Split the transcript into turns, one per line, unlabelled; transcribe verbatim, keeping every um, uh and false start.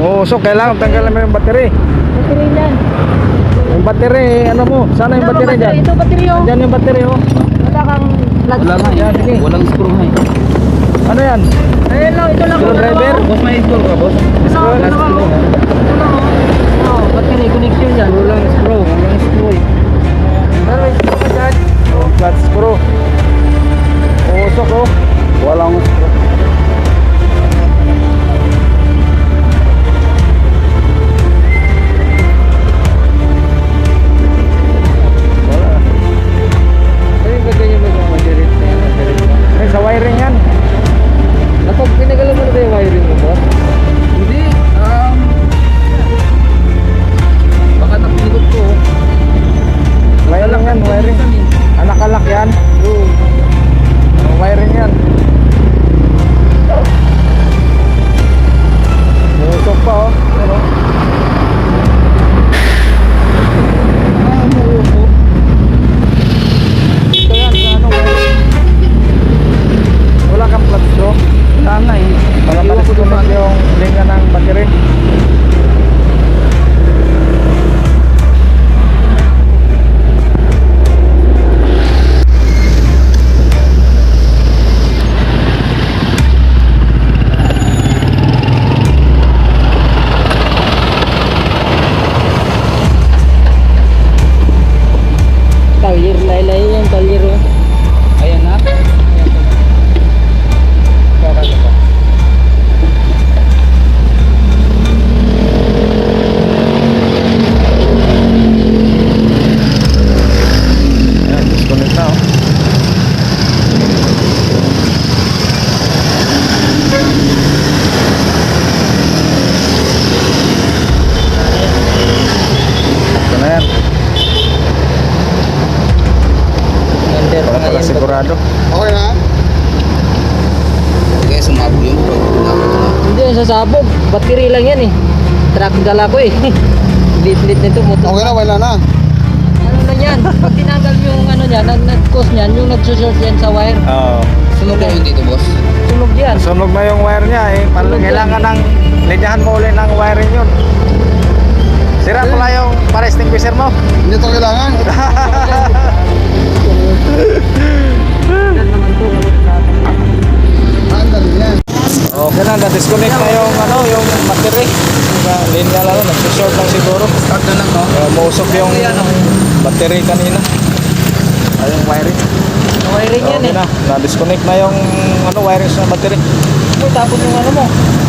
Oo, so kailangan tanggalan mo yung battery.
Battery yan.
Yung battery, ano mo? Sana yung
Ano,
battery dyan.
Ito battery oh.
Dyan yung battery oh.
Wala kang plug.
Wala nga.
Yan, sige.
Walang screw nga eh.
Ano yan?
Ayun lang, ito lang.
Screwdriver?
Boss, may install ka, boss?
Ito, ito lang.
Last
oh.
screw.
Ito lang oh. Oh, battery connection yan.
Walang screw. Walang screw eh.
Pero ito ka dyan.
Oh, flat screw. Usok oh.
Walang screw.
Wala.
Ayun ba ganyan ba yung madirit na yan? Madirit na.
Eh, sa wiring yan.
Napag pinagalan mo na ba yung wiring mo, boss?
Hindi. Um, baka napigot ko.
Wiring yan, wiring. Ah, nakalak yan.
Oo.
Oh, wiring yan. Usok pa oh. Ano? Ah, umuusok. Ito yan, sa ano, wiring. Wala kang plug screw.
Wala nga eh.
Para
Iwan ko doon
ma-disconnect yung linya ng battery.
Talir, laylay yan, talir oh.
Ayan na.
Ayan, disconnect na oh. Ito na yan.
Under
Para pala sigurado.
Okay na? Sige, sumabog yung pro.
Hindi yan sasabog. Battery lang yan eh. Truck dala ko eh. Lit-lit nito motor.
Okay na, wala na.
Ano na yan? Pag tinanggal yung ano niya, nag-cause niyan, yung nag-short yan sa wire.
Oo.
Sunog na yun dito, boss.
Sunog yan.
Sunog na yung wire niya eh. Pal-
Sunog yan.
Kailangan ng linyahan mo ulit ng wiring yun. Sira pala yung para extinguisher mo.
Hindi ito kailangan.
Yan naman to.
Ang dali yan.
Okay na, na-disconnect na yung ano, yung battery. Yung linya lang, nag-short lang siguro.
Start na lang, no?
Kaya mausok yung battery kanina. Ay, yung wiring.
Wiring yan
Okay
eh.
na, na-disconnect na yung ano, wiring sa battery.
Uy, tapos yung ano mo.